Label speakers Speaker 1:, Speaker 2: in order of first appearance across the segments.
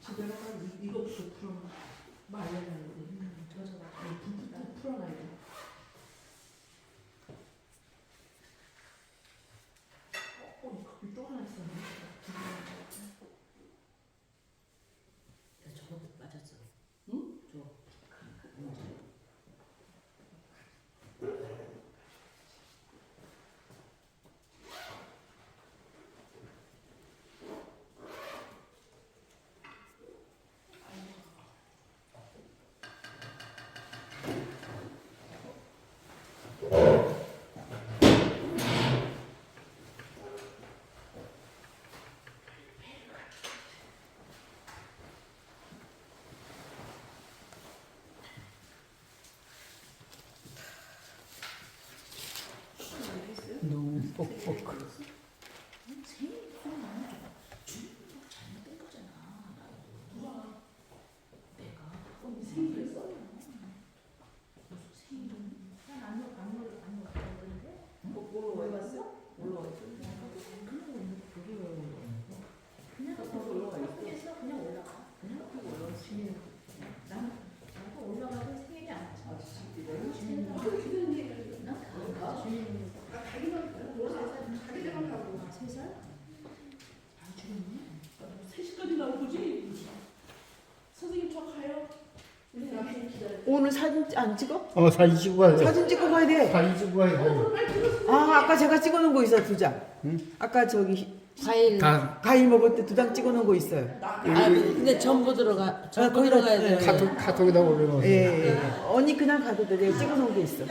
Speaker 1: 집에 가서 이거부터 풀어 말려놔야 돼. 불 풀어놔야 돼. 거기 또 하나 있었네.
Speaker 2: 저거 맞았어.
Speaker 1: 응?
Speaker 2: 저.
Speaker 3: 너무 뻑뻑.
Speaker 2: 잘못된 거잖아. 내가
Speaker 1: 생일을 써?
Speaker 2: 무슨 생일은
Speaker 1: 뭘로 해봤어? 뭘로 했어?
Speaker 2: 그냥
Speaker 1: 올라가 있어.
Speaker 2: 학교에서 그냥 올라가. 그냥 올라가. 나도 올라가도 생일이 안 차.
Speaker 1: 가기만 가고.
Speaker 2: 3살? 아, 죽었네.
Speaker 1: 3시까지 나오지? 선생님 저 가요. 우리 남편 기다려.
Speaker 4: 오늘 사진 안 찍어?
Speaker 3: 사진 찍고 가야 돼.
Speaker 4: 사진 찍고 가야 돼.
Speaker 3: 사진 찍고 가야 돼.
Speaker 4: 아, 아까 제가 찍어놓은 거 있어, 2장.
Speaker 3: 응?
Speaker 4: 아까 저기
Speaker 2: 과일.
Speaker 3: 다
Speaker 4: 과일 먹을 때 2장 찍어놓은 거 있어요.
Speaker 2: 아, 근데 전부 들어가. 전부
Speaker 4: 거기다,
Speaker 2: 들어가야 돼.
Speaker 4: 예.
Speaker 3: 카톡에다 올려놓으세요.
Speaker 4: 예, 예. 언니 그냥 가도 돼. 내가 찍어놓은 게 있어.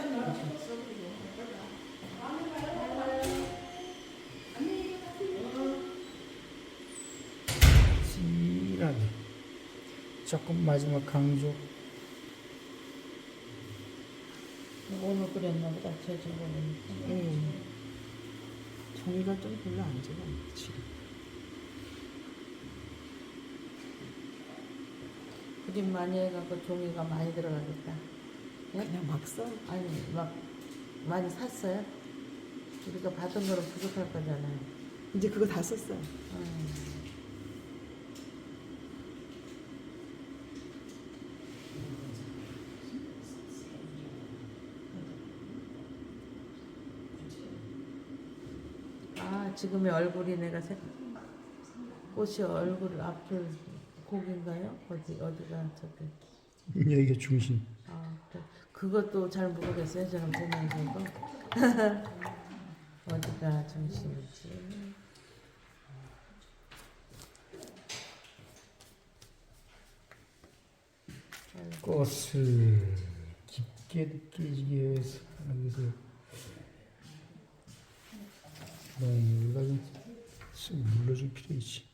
Speaker 3: 진하게. 조금 마지막 강조.
Speaker 2: 오늘 그랬나 보다. 제 친구는.
Speaker 4: 예. 종이가 좀 별로 안 좋아. 지금.
Speaker 2: 그림 많이 해갖고 종이가 많이 들어가겠다. 예?
Speaker 4: 그냥 막 써.
Speaker 2: 아니, 막 많이 샀어요? 우리가 받은 거는 부족할 거잖아요.
Speaker 4: 이제 그거 다 썼어.
Speaker 2: 아, 지금의 얼굴이 내가 꽃이 얼굴 앞을 고기인가요? 어디가 저기.
Speaker 3: 여기가 중심.
Speaker 2: 아, 그래. 그것도 잘 모르겠어요. 저는 보면서도. 어디가 중심이지?
Speaker 3: 꽃을 깊게 느끼기 위해서 여기서 우리가 좀 눌러줄 필요 있지.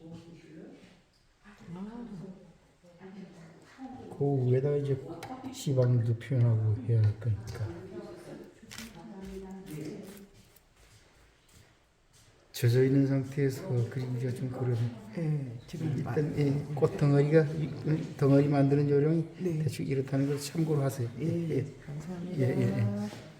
Speaker 3: 그 위에다가 이제 시방도 표현하고 해야 할 거니까. 젖어 있는 상태에서 그리기가 좀 그러네.
Speaker 4: 예, 지금
Speaker 3: 일단 꽃 덩어리가 덩어리 만드는 요령이
Speaker 4: 네.
Speaker 3: 대충 이렇다는 걸 참고로 하세요.
Speaker 4: 예, 감사합니다.
Speaker 3: 예.